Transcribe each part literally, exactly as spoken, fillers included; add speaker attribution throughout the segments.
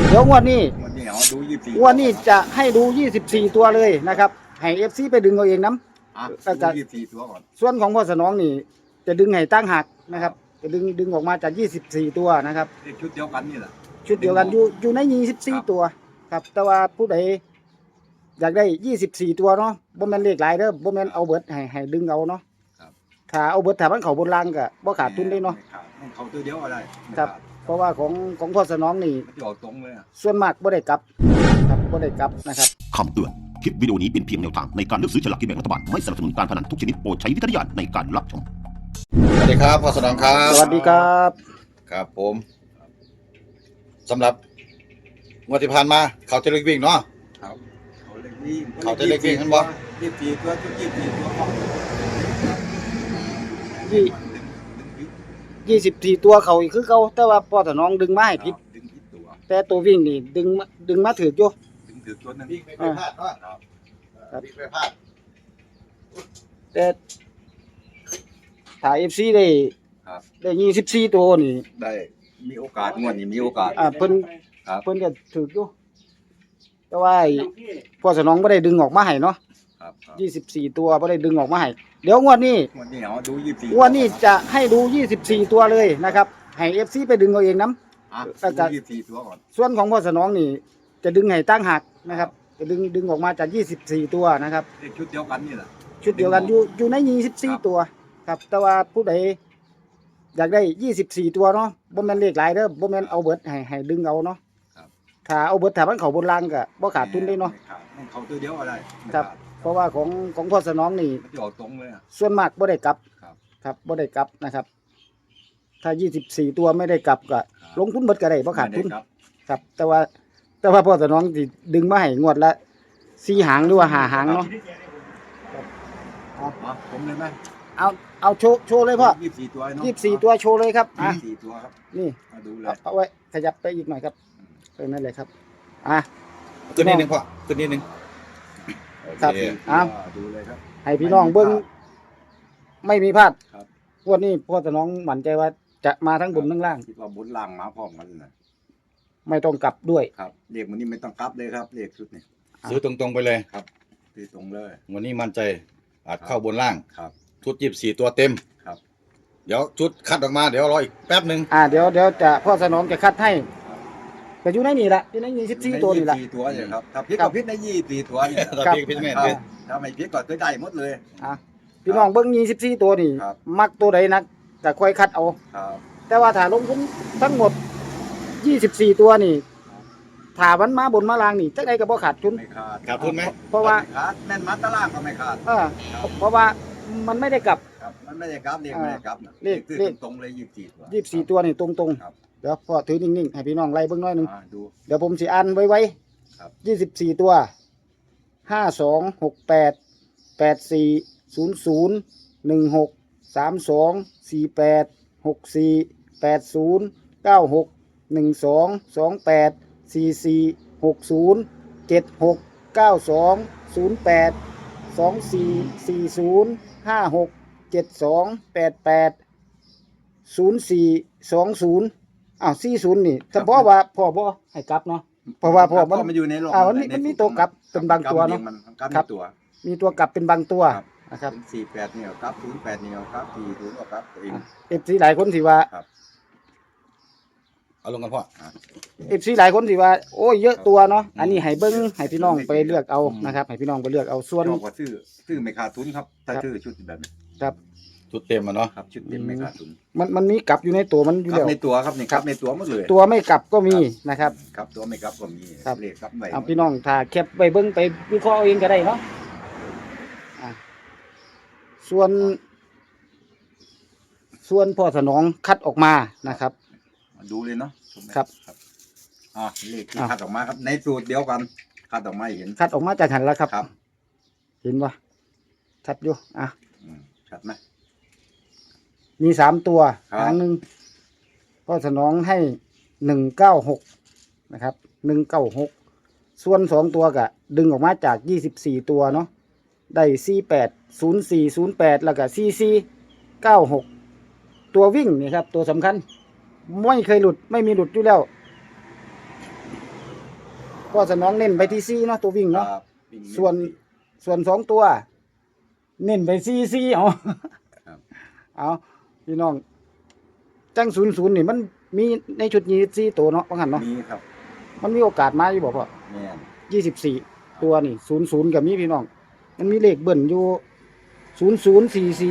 Speaker 1: เดี๋ยวงวดนี้
Speaker 2: งวดนี้เอาดูยี่สิบสี่
Speaker 1: งวดนี้จะให้ดูยี่สิบสี่ตัวเลยนะครับให้ เอฟ ซี ไปดึงเอาเองน้ำ
Speaker 2: อ่ะ
Speaker 1: แล้ว
Speaker 2: ดู
Speaker 1: ก็
Speaker 2: ยี่สิบสี่ตัวก่อน
Speaker 1: ส่วนของพ่อสนองนี่จะดึงให้ตั้งหักนะครับจะดึงดึงออกมาจากยี่สิบสี่ตัวนะครับ
Speaker 2: เลขชุดเดียวกันนี่แหละ
Speaker 1: ชุดเดียวกันอยู่อยู่ในยี่สิบสี่ตัวครับแต่ว่าผู้ใดอยากได้ยี่สิบสี่ตัวเนาะบ่แม่นเลขหลายเด้อบ่แม่นเอาเบิดให้ให้ดึงเอาเนาะถ้าเอาเบิดถ้ามันเข้าบนล่างก็บ่ขาดทุนได้เนาะ
Speaker 2: ไม่ขาดเขาตัวเดียวอะไร
Speaker 1: ครับเพราะว่าของของพ่อสนองนี่
Speaker 2: มันจะออกตรงเลยอ่ะ
Speaker 1: ส่วนมากบ่ได้กลับครับบ่ได้กลับนะครับ
Speaker 3: คำเตือนคลิปวิดีโอนี้เป็นเพียงแนวทางในการเลือกซื้อฉลากกินแบ่งรัฐบาลไม่สนับสนุนการพนันทุกชนิดโปรดใช้วิจารณญาณในการรับชม
Speaker 4: สวัสดีครับพ่อสนองครับ
Speaker 1: สวัสดีครับ
Speaker 4: ครับผมสำหรับงวดที่ผ่านมาเขาจะเล็กวิ่งเนาะ
Speaker 2: ครับเขาเลขนี้
Speaker 4: เขาจะเลขวิ่งกันบ่
Speaker 2: ยี่สิบสี่ตัวชุดยี่สิบสี่ตัวของ
Speaker 1: ยี่ยี่สิบสี่ตัวเขาอีกคือเขาแต่ว่าพ่อสนองดึงมาให้ผิด
Speaker 2: ดึงผิดตัว
Speaker 1: แต่ตัววิ่งนี่ดึงมาดึงมาถืออยู่
Speaker 2: ดึงถือตัวนั้น
Speaker 4: วิ่งไปไปพลาดเนาะ
Speaker 1: ครับ
Speaker 4: วิ่งไปพลาด
Speaker 1: แต่ถ้า เอฟ ซี ได้
Speaker 2: ครับ
Speaker 1: ได้ยี่สิบสี่ตัวนี่
Speaker 2: ได้มีโอกาสงวดนี้มีโอกาส
Speaker 1: อ่าเพิ่น
Speaker 2: ครับ
Speaker 1: เพิ่นก็ถืออยู่แต่ว่าไอ้พ่อสนองบ่ได้ดึงออกมาให้เนาะ
Speaker 2: ครับครับ
Speaker 1: ยี่สิบสี่ตัวบ่ได้ดึงออกมาให้เดี๋ยวงวดนี้
Speaker 2: งวดนี้เอาดูยี่สิบสี่
Speaker 1: งวดนี้จะให้ดูยี่สิบสี่ตัวเลยนะครับให้ เอฟ ซี ไปดึงเอาเองน้
Speaker 2: อ่ะ
Speaker 1: แล้วก็
Speaker 2: ดูยี่สิบสี่ตัวก่อน
Speaker 1: ำส่วนของพ่อสนองนี่จะดึงให้ตั้งหักนะครับจะดึงดึงออกมาจากยี่สิบสี่ตัวนะครับ
Speaker 2: เลขชุดเดียวกันนี่แหละ
Speaker 1: ชุดเดียวกันอยู่อยู่ในยี่สิบสี่
Speaker 2: ครับ
Speaker 1: ตัวครับแต่ว่าผู้ใดอยากได้ยี่สิบสี่ตัวเนาะบ่แม่นเลขหลายเด้อบ่แม่นเอาเบิดให้ให้ดึงเอาเนาะ
Speaker 2: ครับ
Speaker 1: ถ้าเอาเบิดถ้ามันเข้าบนล่างก็บ่ขาดทุนได้เนาะ
Speaker 2: ไม่ขาดไม่เขาตัวเดียวอะไรไม่
Speaker 1: ครับ
Speaker 2: ขาด
Speaker 1: เพราะว่าของของพ่อสนองนี่
Speaker 2: มันจะออกตรงเลยอ่ะ
Speaker 1: ส่วนมากบ่ได้กลับ
Speaker 2: ครับ
Speaker 1: ครับบ่ได้กลับนะครับ ถ้ายี่สิบสี่ตัวไม่ได้กลับก็ลงทุนเบิดก็ได้บ่ขาดทุน
Speaker 2: ไม่ไครับ
Speaker 1: ครับ แต่ว่าแต่ว่าพ่อสนองสิดึงมาให้งวดละสี่หางหรือว่าห้าหางเนาะ
Speaker 2: อ๋อผมเลยไหม
Speaker 1: เอาเอาโชว์โชว์เลยพ่อ
Speaker 2: ยี่สิบสี่ตัวเนาะ
Speaker 1: ยี่สิบสี่ตัวโชว์เลยครับอ่ะ
Speaker 2: ยี่สิบสี่ตัวครับ
Speaker 1: นี่
Speaker 2: มาดูเล
Speaker 1: เอา
Speaker 2: ย
Speaker 1: เอาไว้ขยับไปอีกหน่อยครับเออนั่นเลยครับอ่ะ
Speaker 4: ขึ้นนิดนึงพ่อขึ้นนิดนึง
Speaker 1: ครับ
Speaker 4: โอเค
Speaker 1: เอา
Speaker 2: ดูเลยครับ
Speaker 1: ให้พี่น้องเบิ้งไม่มีพลาด
Speaker 2: ครับ
Speaker 1: งวันนี้พ่อสนองมั่นใจว่าจะมาทั้งบนทั้งล่าง
Speaker 2: คิดว่าบนล่างมาพร้อมกันนะ
Speaker 1: ไม่ต้องกลับด้วย
Speaker 2: ครับเลขมันนี่ไม่ต้องกลับเลยครับเลขชุดนี้
Speaker 4: ซื้อตรงๆไปเลย
Speaker 2: คือตรงเลย
Speaker 4: วันนี้มั่นใจอาจเข้าบนล่าง
Speaker 2: ครับ
Speaker 4: ชุดยี่สิบสี่ตัวเต็ม
Speaker 2: ครับ
Speaker 4: เดี๋ยวชุดคัดออกมาเดี๋ยวรออีกแป๊บหนึ่ง
Speaker 1: อ่าเดี๋ยวเดี๋ยวจะพ่อสนองจะคัดให้ก็อยู่ในนี่แหละอยู่ในยี่สิบสี่ตัวนี่แหละ
Speaker 2: ยี่สิบสี่ตัวเนี่ยครับถ้าพิษ
Speaker 1: ครั
Speaker 2: ก็
Speaker 1: บ
Speaker 2: พิษในยี่สิบสี่ตัวเนี่ย
Speaker 4: ตอน
Speaker 1: ครับ
Speaker 4: พี่พี่แม่
Speaker 2: ครับ
Speaker 4: เป็น
Speaker 2: ถ้าไม่พิษก็คือได้หมดเลย
Speaker 1: อ่ะพี่น้องเบิ้งยี่สิบสี่ตัวนี่
Speaker 2: ครับ
Speaker 1: มักตัวใดนักก็ค่อยคัดเอา
Speaker 2: ครับ
Speaker 1: แต่ว่าถ้าลงทุนทั้งหมดยี่สิบสี่ตัวนี่ถ้ามันมาบนมาล่างนี่จักใดก็บ่ขาดทุน
Speaker 2: ไม่ขาด
Speaker 4: ขาดทุนไหม
Speaker 1: เพราะว่า
Speaker 2: ไม่ขาดแม่นมัดตะล่างก็ไม่ขาด
Speaker 1: เออเพราะว่ามันไม่ได้กลับ
Speaker 2: ครับมันไม่ได้กลับเลขไม่ได้กลับนะ
Speaker 1: เลข
Speaker 2: คือ
Speaker 1: เลข
Speaker 2: ตรงๆเลยยี่สิบสี่ตัว
Speaker 1: ยี่สิบสี่ตัวนี่ตรง
Speaker 2: ครับ
Speaker 1: ๆเดี๋ยวพ่อถือนิ่งๆให้พี่น้องไล่เบิ่งหน้อยหนึง
Speaker 2: อ่าดู
Speaker 1: เดี๋ยวผมสิอ่านไว้ไว้
Speaker 2: ครับ
Speaker 1: ยี่สิบสี่ตัวห้าสองหกแปดแปดสี่ศูนย์ศูนย์หนึ่งหกสามสองสี่แปดหกสี่แปดศูนย์เก้าหกหนึ่งสองสองแปดสี่สี่หกศูนย์เจ็ดหกเก้าสองศูนย์แปดสองสี่สี่ศูนย์ห้าหกเจ็ดสองแปดแปดศูนย์สี่สองศูนย์อ้าวสี่ศูนย์นี่ถ้าพ่อว่าพ่อบ่ให้กลับเนาะเพราะว่าพ่อมัน
Speaker 2: มันอยู่ในโลก
Speaker 1: อ่ามันมีมันมีตัวกลับเป็นบางตัวเนอะ
Speaker 2: มันกลับ
Speaker 1: ครับ
Speaker 2: ในตัว
Speaker 1: มีตัวกลับเป็นบางตัว
Speaker 2: ครับ
Speaker 1: นะครับ
Speaker 2: เป็นสี่แปดเนี่ยกลับศูนย์แปดเนี่ยกลับสี่ศูนย์ก็กลับตัวเอง
Speaker 1: เอฟซีหลายคนสิว่า
Speaker 4: เอาลงกันพ่อ
Speaker 1: เอฟซีหลายคนสิว่าโอ้ยเยอะตัวเนาะอันนี้ให้เบิ้งให้พี่น้องไปเลือกเอานะครับให้พี่น้องไปเลือกเอาส่วน
Speaker 2: ชอบกว่าซื้อซื้อไม่ขาดทุนครับ ถ้า
Speaker 1: ครับ
Speaker 2: ซื้อชุดแบบนี้
Speaker 1: ครับ
Speaker 4: ชุดเต็มอ่ะเนาะ
Speaker 2: ครับชุดเต็มไม่ขาดทุน
Speaker 1: มันมันมีกลับอยู่ในตัวมันอยู่
Speaker 2: ครั
Speaker 1: แล้
Speaker 2: บ
Speaker 1: ว
Speaker 2: ในตัวครับนี่ครับในตัวหมดเลย
Speaker 1: ตัวไม่กลับก็มีนะครับ
Speaker 2: ครับตัวไม่กลับก็มี
Speaker 1: ครับ
Speaker 2: เลขกลับไว้
Speaker 1: เอาพี่น้องถ้าแคปไปเบิ้งไปวิเคราะห์เอาเองก็ได้เนาะอ่ะส่วน ส่วนพ่อสนองคัดออกมานะครับ
Speaker 2: ดูเลยเนาะ
Speaker 1: ครับ
Speaker 2: อ่าเลขที่
Speaker 1: อ่ะ
Speaker 2: คัดออกมาครับในสูตรเดียวกันคัดออกมาให้เห็น
Speaker 1: คัดออกมาจากหันแล้วครับ
Speaker 2: ครับ
Speaker 1: เห็นปะชัดอยู่อ่ะ
Speaker 2: อืมชัดไหม
Speaker 1: มีสามตัว
Speaker 2: ครับ
Speaker 1: หางหนึ่งก็สนองให้หนึ่งเก้าหกนะครับหนึ่งเก้าหกส่วนสองตัวกะดึงออกมาจากยี่สิบสี่ตัวเนาะได้สี่แปดศูนย์สี่ศูนย์แปดแล้วก็สี่สี่เก้าหกตัววิ่งนี่ครับ ตัวสำคัญ ไม่เคยหลุดไม่มีหลุดอยู่แล้วพ่อสนองเน้นไปที่สี่เนาะตัววิ่ง
Speaker 2: ครั
Speaker 1: เนาะ
Speaker 2: บวิ่ง
Speaker 1: ส่วนส่วนสองตัว เน้นไปสี่สี่เอา
Speaker 2: ครับ
Speaker 1: เอาพี่น้องจังศูนย์ศูนย์นี่มันมีในชุดนี้สี่ตัวเนาะว่างั้นเนาะ
Speaker 2: มีครับ
Speaker 1: มันมีโอกาสมาอยู่บ่พ่อ
Speaker 2: แม่น
Speaker 1: ยี่สิบสี่ตัวนี่ศูนย์ศูนย์กับมีพี่น้อง มันมีเลขเบิ่นอยู่ศูนย์ศูนย์สี่สี่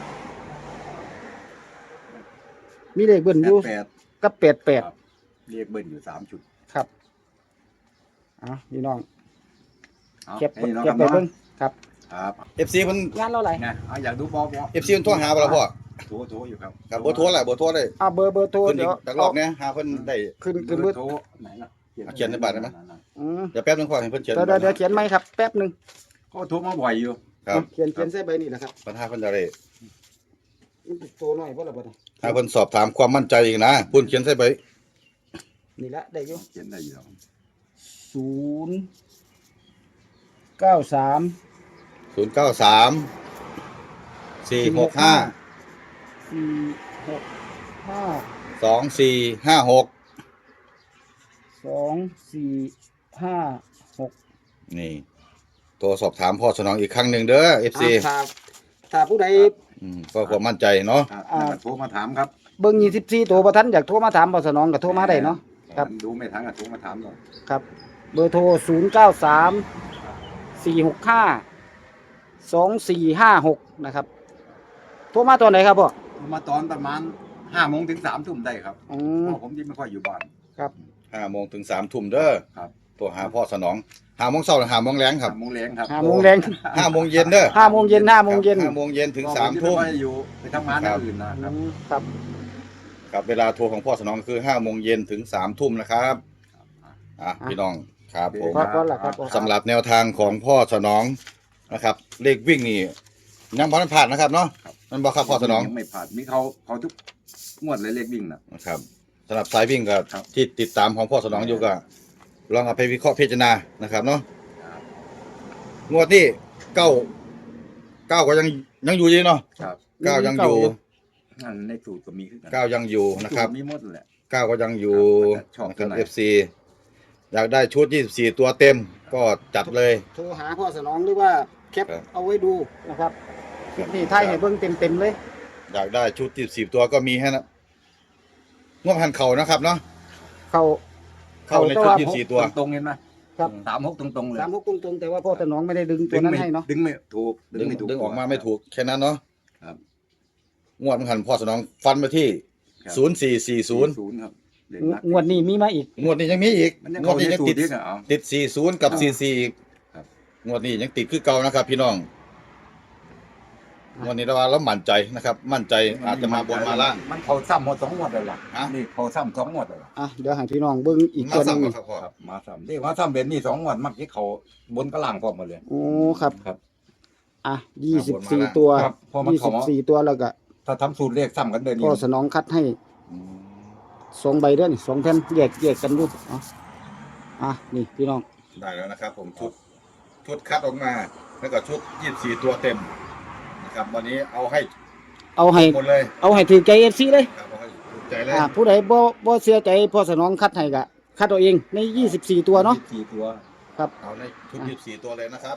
Speaker 1: มีเลขเบิ่นอยู่
Speaker 2: แปด
Speaker 1: กับแปดแปด
Speaker 2: ครับเรียกเบิ้ลอยู่สามชุด
Speaker 1: ครับเอ่ะพี่น้อง
Speaker 2: เอา
Speaker 1: เก็บ
Speaker 2: ให้น้อง
Speaker 1: เก็บ
Speaker 2: ครับ
Speaker 1: ไปเบิ่ง
Speaker 2: เนาะ
Speaker 1: ครับ
Speaker 2: ครับ
Speaker 4: เอฟซีเพิ่น
Speaker 1: งานเราไหร
Speaker 2: นะเอาอยากดูบอลบอล
Speaker 4: เอฟซีเพิ่นโทรหาบ่ล่ะพ่อ
Speaker 2: โทรโทรอยู่ครับ
Speaker 4: ครับบ่โทรแหละบ่โทรได้
Speaker 1: อ่าเบอร์เบอร์โทร
Speaker 4: เพิ่นอี
Speaker 1: เดี๋
Speaker 4: ก
Speaker 1: ยว
Speaker 4: จักรอบเนี่ยหาเพิ่นได้
Speaker 1: ขึ้น
Speaker 2: เบ
Speaker 1: ขึ้น
Speaker 2: อ
Speaker 1: เบอร์
Speaker 2: ร์โทรไหนล่ะ
Speaker 4: เอาเขียนในบัตรได้ไหม
Speaker 1: อืม
Speaker 4: เดี๋ยวแป๊บนึงพ่อให้เพิ่นเขียน
Speaker 1: เดี๋ยวเดี๋ยวเดี๋ยวเขียนไหมครับแป๊บหนึ่ง
Speaker 2: ก็โทรมาบ่อยอยู่
Speaker 4: ครับ
Speaker 1: เขียนเขียนใส่ใบนี่แหละครับ
Speaker 4: ปัญหาเพิ่นจะได้
Speaker 1: มันติดโตหน่อยเพราะอะไรบ่ได้
Speaker 4: ถ้าเพิ่นสอบถามความมั่นใจอีกนะเพิ่นเขียนใส่ใบ
Speaker 1: นี่ละได้อยู่
Speaker 2: เขียนได้อยู่แล้ว
Speaker 1: ศูนย์เก้าสาม
Speaker 4: ศูนย์เก้าสามสี่หกห้า
Speaker 1: สี่หกห้า
Speaker 4: สองสี่ห้าหก
Speaker 1: สองสี่ห้าหก
Speaker 4: นี่โทรสอบถามพ่อสนองอีกครั้งหนึ่งเด้อ เอฟ ซี
Speaker 1: ถ้าถ้าผู้ใด
Speaker 4: อืมก็ความมั่นใจเนาะ
Speaker 2: ครับ
Speaker 1: อ่า
Speaker 2: นั่นก็โทรมาถามครับ
Speaker 1: เบิ่งยี่สิบสี่ตัวประทันอยากโทรมาถามบสนองก็โทรมาได้เนาะ ครับ
Speaker 2: ดูไม่ทันก็โทรมาถามหน่อย
Speaker 1: ครับ เบอร์โทรศูนย์เก้าสามสี่หกห้าสองสี่ห้าหกนะครับ โทรมาตัวไหนครับพ่อ
Speaker 2: โทรมาตอนประมาณห้าโมงถึงสามทุ่มได้ครับ
Speaker 1: อื
Speaker 2: เพ
Speaker 1: ม
Speaker 2: ราะผมที่ไม่ค่อยอยู่บ้าน
Speaker 1: ครับ
Speaker 4: ห้าโมงถึงสามทุ่มเด้อ
Speaker 2: ครับ
Speaker 4: ตัวหาพ่อสนองห้าโมงเช้าหรือห้าโมงแรงครับ
Speaker 2: ห้าโมงแรงครับ
Speaker 1: ห้าโมงแรง
Speaker 4: ห้าโมงเย็นเด้อ
Speaker 1: ห้าโมงเย็นห้าโมงเย็น
Speaker 4: ห้าโมงเย็นถึง
Speaker 2: เพระ
Speaker 4: สามทุ่ม
Speaker 2: ผที่ไค่อยอยู่ไปทำงานอย่างอื่นนะค
Speaker 1: อื
Speaker 2: รับ
Speaker 1: มครับ
Speaker 4: ครับเวลาโทรของพ่อสนองคือห้าโมงเย็นถึงสามทุ่มนะครับอ่ะพี่น้องครับผม
Speaker 1: ก็ก็แหละครับ
Speaker 4: สำหรับแนวทางของพ่อสนองนะครับ เลขวิ่งนี่ยังบ่ทันผ่านนะครับเนาะมันบอกครับพ่อสนอง
Speaker 2: ยังไม่ผ่านมีเขาเขาทุกงวดเลยเลขวิ่งนะ
Speaker 4: นะครับสำหรับสายวิ่งก็
Speaker 2: ครับ
Speaker 4: ที่ติดตามของพ่อสนองอยู่ก็ลองเอาไปวิเคราะห์พิจารณานะครับเนาะ
Speaker 2: ครับ
Speaker 4: งวดนี้เก้าเก้าก็ยังยังอยู่ดีเนาะ
Speaker 2: ครับ
Speaker 4: เก้ายังอยู่
Speaker 2: นั่นในสูตรก็มีขึ้นกัน
Speaker 4: เก้ายังอยู่นะครับ
Speaker 2: มีหมดแหละ
Speaker 4: เก้าก็ยังอยู่
Speaker 2: ครับชอบ
Speaker 4: นะค
Speaker 2: ตั
Speaker 4: รั
Speaker 2: ว
Speaker 4: บ
Speaker 2: ไหน
Speaker 4: เอฟซีอยากได้ชุดยี่สิบสี่ตัวเต็มก็จัดเลย
Speaker 1: โทรหาพ่อสนองหรือว่าแคป
Speaker 4: ครับ
Speaker 1: เอาไว้ดูนะครับคลิปนี้ไทยให้เบิ่งเต็มๆเลย
Speaker 4: อยากได้ชุดยี่สิบสี่ตัวก็มีให้นะงวดพันเข่านะครับเนาะ
Speaker 1: เขา
Speaker 4: เข้าในชุดยี่สิบสี่ตัว
Speaker 2: ตรงๆเห็นไหม
Speaker 1: ครับ
Speaker 2: สามหกตรงๆเลย
Speaker 1: สามหกตรงๆแต่ว่าพ่อสนองไม่ได้ดึงตัว
Speaker 2: ดึง
Speaker 1: นั้น
Speaker 2: ไม่
Speaker 1: ให้เนาะ
Speaker 2: ดึงไม่ถูก
Speaker 4: ดึง
Speaker 2: ไม่ถูก
Speaker 4: ดึงออกมาไม่ถูกแค่นั้นเนาะ
Speaker 2: ครับ
Speaker 4: งวดพันพ่อสนองฟันไปที่
Speaker 2: ครับ
Speaker 4: ศูนย์สี่สี่ศูนย์
Speaker 2: ศูนย์ครับเลข
Speaker 1: ง
Speaker 2: นัก
Speaker 1: งวดนี้มีมาอีก
Speaker 4: งวดนี้ยังมีอีก
Speaker 2: มันยัง
Speaker 4: งว
Speaker 2: เข้า
Speaker 4: ด
Speaker 2: ใน
Speaker 4: นี้ยัง
Speaker 2: สูต
Speaker 4: ติ
Speaker 2: ร
Speaker 4: ด
Speaker 2: ที่เอา
Speaker 4: ติดสี่ศูนย์กับสี่สี่อีก
Speaker 2: ครับ
Speaker 4: งวดนี้ยังติดคือเก่านะครับ พี่น้องงวดนี้เราว่าเรามั่นใจนะครับ มั่นใจอาจจะมาบนมาล่าง
Speaker 2: มันเขาซ้ำหมดสองงวดเลยล่ะ
Speaker 4: ฮะ
Speaker 2: นี่เขาซ้ำสองงวดเลยล่ะ
Speaker 1: อ่ะเดี๋ยวให้พี่น้องเบิ่งอีก
Speaker 4: มา
Speaker 1: ตัวหนึง
Speaker 4: ซ้ำกันครับพ่อ
Speaker 2: ครับมาซ้ำนี่มาซ้ำเบนนี่สองงวดมักที่เขาบนกระล่างพร้อมหมดเลย
Speaker 1: โอ้ครับ
Speaker 2: ครับ
Speaker 1: อ่ะยี่สิบสี่ตัว
Speaker 2: ครับพอมัน
Speaker 1: ยี่
Speaker 2: เข้า
Speaker 1: สิบ
Speaker 2: มา
Speaker 1: สี่ตัวแล้วก็
Speaker 2: ถ้าทำสูตรเลขซ้ำกันเดิน
Speaker 1: พ่
Speaker 2: นี่
Speaker 1: อสนองคัดให้สองใบเด้อนี่สองแผ่นแยกแยกกันดูเอ่ะอ่ะนี่พี่น้อง
Speaker 4: ได้แล้วนะครับ ผมชุดชุดคัดออกมา แล้วก็ชุดยี่สิบสี่ตัวเต็มนะครับ วันนี้เอาให้
Speaker 1: เอาให้
Speaker 4: หมดเลย
Speaker 1: เอาให้ถือใจ เอฟ ซี เลย
Speaker 4: ครับเอาให้ถูกใจเลย
Speaker 1: อ่าผู้ใดบ่บ่เสียใจพ่อสนองคัดให้ก็คัดเอาเองในยี่สิบสี่ตัวเนาะ
Speaker 2: สี่ตัว
Speaker 1: ครับ
Speaker 4: เอาในชุดยี่สิบสี่ตัวเลยนะครับ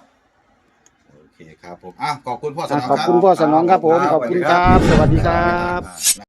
Speaker 4: โอเคครับผมอ่ะขอบคุณพ่อส
Speaker 1: อ่ะ
Speaker 4: นอง
Speaker 1: ขอบ
Speaker 4: ครับ
Speaker 1: คุณพ่อสนองครับผมขอบคุณครับ สวัสดีครับ
Speaker 4: นะ